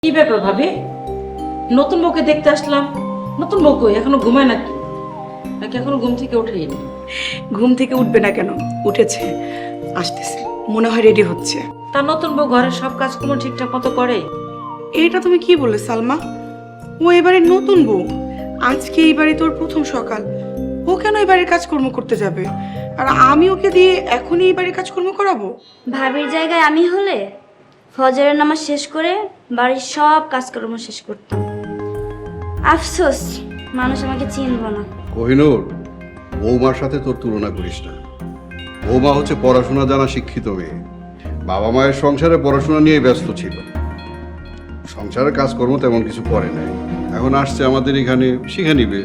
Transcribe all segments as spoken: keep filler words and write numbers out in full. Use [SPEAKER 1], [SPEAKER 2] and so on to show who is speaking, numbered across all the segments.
[SPEAKER 1] কি ব্যাপার ভাবি? নতুন বউকে দেখতে আসলাম, নতুন বউ কই? এখনো ঘুমায় নাকি নাকি এখনো ঘুম থেকে ওঠেনি?
[SPEAKER 2] ঘুম থেকে উঠবে না কেন, উঠেছে, আসতেছে, মনে হয় রেডি হচ্ছে।
[SPEAKER 1] তার নতুন বউ ঘরের সব কাজকর্ম ঠিকঠাক মতো করে?
[SPEAKER 2] এটা তুমি কি বললে সালমা? ও এবারে নতুন বউ, আজকে এই বাড়ি তোর প্রথম সকাল, ও কেন এই বাড়ির কাজকর্ম করতে যাবে? আর আমি ওকে দিয়ে এখনই এই বাড়ির কাজকর্ম করাবো?
[SPEAKER 3] ভাবির জায়গায় আমি হলে ফজরের নামাজ শেষ করে বাড়ির সব কাজকর্ম শেষ করতাম। আফসোস মানুষ আমাকে চিনব না।
[SPEAKER 4] কোহিনূর, বৌমার সাথে তোর তুলনা করিস না। বৌমা হচ্ছে পড়াশোনা জানা শিক্ষিত মেয়ে। বাবা মায়ের সংসারে পড়াশোনা নিয়ে ব্যস্ত ছিল, সংসারের কাজকর্ম তেমন কিছু করে নাই। এখন আসছে আমাদের এখানে, শিখে নিবে।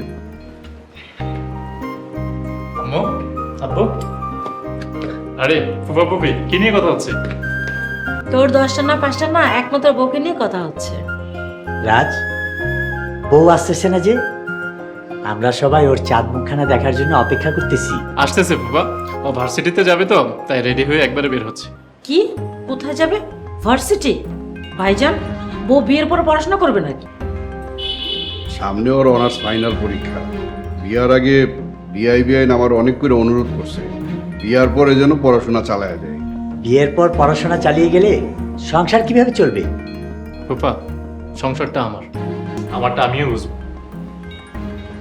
[SPEAKER 5] আম্মু, আব্বু, আরে ফুফা ফুফি কি নিয়ে কথা হচ্ছে?
[SPEAKER 1] তোর দশটা না পাঁচটা না, একমাত্র বউকে নিয়ে কথা হচ্ছে।
[SPEAKER 6] রাজ, বউ আসতেছে না যে? আমরা সবাই ওর চাঁদ মুখখানা দেখার জন্য অপেক্ষা করতেছি।
[SPEAKER 5] আসতেছে ফুফা, ও ভার্সিটিতে যাবে তো তাই রেডি হয়ে একবারে বের হচ্ছে।
[SPEAKER 1] কি? কোথায় যাবে? ভার্সিটি? ভাইজান, বউ বিয়ের পর পড়াশোনা করবে নাকি?
[SPEAKER 4] সামনে ওর অনার্স ফাইনাল পরীক্ষা। বিয়ার আগে বিআই বিআইন আমার অনেক করে অনুরোধ করছে, বিয়ার পরে যেন পড়াশোনা চালায় যায়।
[SPEAKER 6] বিয়ের পর পড়াশোনা চালিয়ে গেলে সংসার কিভাবে চলবে?
[SPEAKER 5] ফুফা, সংসারটা আমার, আমারটা আমিও বুঝবো।